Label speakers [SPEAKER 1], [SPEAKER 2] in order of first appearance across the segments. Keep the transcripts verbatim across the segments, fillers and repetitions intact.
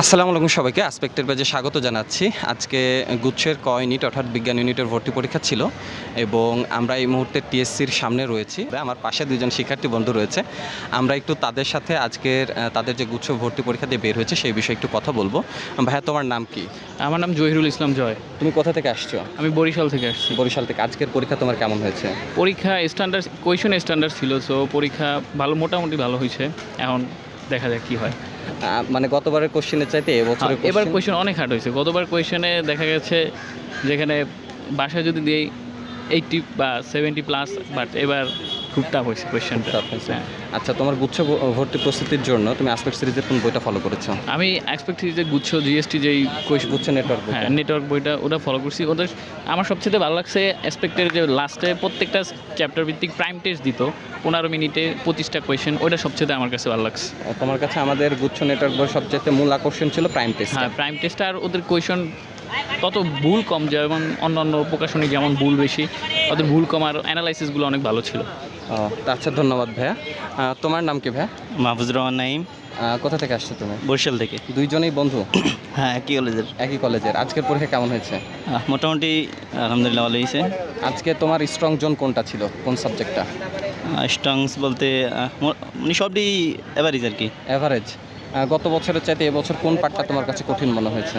[SPEAKER 1] আসসালামু আলাইকুম সবাইকে আসপেক্টের পেজে স্বাগত জানাচ্ছি। আজকে গুচ্ছের ক ইউনিট অর্থাৎ বিজ্ঞান ইউনিটের ভর্তি পরীক্ষা ছিল এবং আমরা এই মুহূর্তে টিএসসির সামনে রয়েছি। আমার পাশে দুজন শিক্ষার্থী বন্ধু রয়েছে, আমরা একটু তাদের সাথে আজকের তাদের যে গুচ্ছ ভর্তি পরীক্ষা দিয়ে বের হয়েছে সেই বিষয়ে একটু কথা বলবো। ভাইয়া, তোমার নাম কি?
[SPEAKER 2] আমার নাম জহিরুল ইসলাম জয়।
[SPEAKER 1] তুমি কোথা থেকে আসছো?
[SPEAKER 2] আমি বরিশাল থেকে আসছি।
[SPEAKER 1] বরিশাল থেকে। আজকের পরীক্ষা তোমার কেমন হয়েছে?
[SPEAKER 2] পরীক্ষা স্ট্যান্ডার্ড কোয়েশন স্ট্যান্ডার্ড ছিল, সো পরীক্ষা ভালো, মোটামুটি ভালো হয়েছে। এখন দেখা যাক কী হয়।
[SPEAKER 1] আহ, মানে গতবারের কোশ্চেনের চাইতে এবছরের
[SPEAKER 2] এবার
[SPEAKER 1] question-
[SPEAKER 2] কোয়েশন অনেক হার্ড হয়েছে। গতবার কোয়েশনে দেখা গেছে যেখানে বাসায় যদি দিই এইটটি বা সেভেন্টি প্লাস, বাট এবার খুব টাফ হয়েছে কোয়েশনটা।
[SPEAKER 1] tough হয়েছে। আচ্ছা, তোমার গুচ্ছ ভ- ভর্তি প্রস্তুতির জন্য তুমি আসপেক্ট সিরিজের কোন বইটা ফলো করেছো?
[SPEAKER 2] আমি এক্সপেক্ট করি যে গুচ্ছ জিএসটি যেই কোয়েশন,
[SPEAKER 1] গুচ্ছ নেটওয়ার্ক
[SPEAKER 2] হ্যাঁ নেটওয়ার্ক বইটা ওটা ফলো করছি। ওদের আমার সবচেয়ে ভালো লাগছে অ্যাসপেক্টের যে লাস্টে প্রত্যেকটা চ্যাপ্টার ভিত্তিক প্রাইম টেস্ট দিত পনেরো মিনিটে পঁচিশটা কোয়েশন, ওইটা সবচেয়ে আমার কাছে ভালো লাগছে।
[SPEAKER 1] তোমার কাছে আমাদের গুচ্ছ নেটওয়ার্ক বই সবচেয়ে মূল আকর্ষণ ছিল প্রাইম টেস্ট।
[SPEAKER 2] হ্যাঁ, প্রাইম টেস্ট আর ওদের কোয়েশন তত ভুল কম, যেমন অন্য অন্য প্রকাশনী যেমন ভুল বেশি, ওদের ভুল কম আর অ্যানালাইসিসগুলো অনেক ভালো ছিল।
[SPEAKER 1] আচ্ছা, ধন্যবাদ ভাইয়া। আহ, তোমার নাম কি ভাইয়া?
[SPEAKER 3] মাহফুজুর রহমান নাইম,
[SPEAKER 1] আহ, কোথা থেকে আসছো তুমি?
[SPEAKER 3] বরিশাল থেকে।
[SPEAKER 1] দুইজনেই বন্ধু?
[SPEAKER 3] হ্যাঁ, একই কলেজের।
[SPEAKER 1] একই কলেজের। আজকের পরীক্ষা কেমন হয়েছে?
[SPEAKER 3] আহ, মোটামুটি আলহামদুলিল্লাহ ভালো হয়েছে।
[SPEAKER 1] আজকে তোমার স্ট্রং জোন কোনটা ছিল, কোন সাবজেক্টটা?
[SPEAKER 3] স্ট্রংস বলতে আহ, মো- মানে সবই এভারেজ আর কি।
[SPEAKER 1] অ্যাভারেজ। গত বছরের চাইতে এবছর কোন পার্টটা তোমার কাছে কঠিন মনে হয়েছে?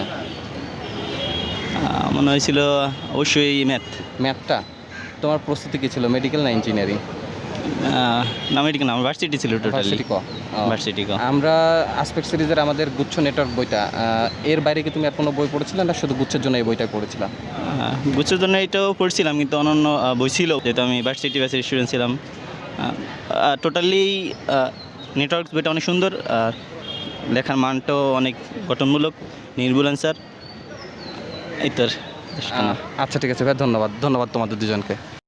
[SPEAKER 3] আহ, মনে হয়েছিল অবশ্যই ম্যাথ।
[SPEAKER 1] ম্যাথটা। তোমার প্রস্তুতি কী ছিল, মেডিকেল না ইঞ্জিনিয়ারিং?
[SPEAKER 3] না মেডিকেল না, ভার্সিটি ছিল টোটালি।
[SPEAKER 1] ভার্সিটি ক। ও।
[SPEAKER 3] ভার্সিটি ক।
[SPEAKER 1] আমরা আসপেক্ট সিরিজের আমাদের গুচ্ছ নেটওয়ার্ক বইটা, আহ, এর বাইরে কি তুমি আর কোনো বই পড়েছিলে না শুধু গুচ্ছের জন্য এই বইটা পড়েছিলাম?
[SPEAKER 3] আহ, গুচ্ছের জন্য এটাও পড়ছিলাম, কিন্তু অন্যান্য আহ, বই ছিল, যেহেতু আমি ভার্সিটি ব্যাচের স্টুডেন্ট ছিলাম। টোটালি নেটওয়ার্ক বইটা অনেক সুন্দর, আর লেখার মানটাও অনেক গঠনমূলক, নির্ভুল অ্যান্সার। এই তো আর।
[SPEAKER 1] আচ্ছা, ঠিক আছে ভাই, ধন্যবাদ। ধন্যবাদ তোমাদের দুজনকে।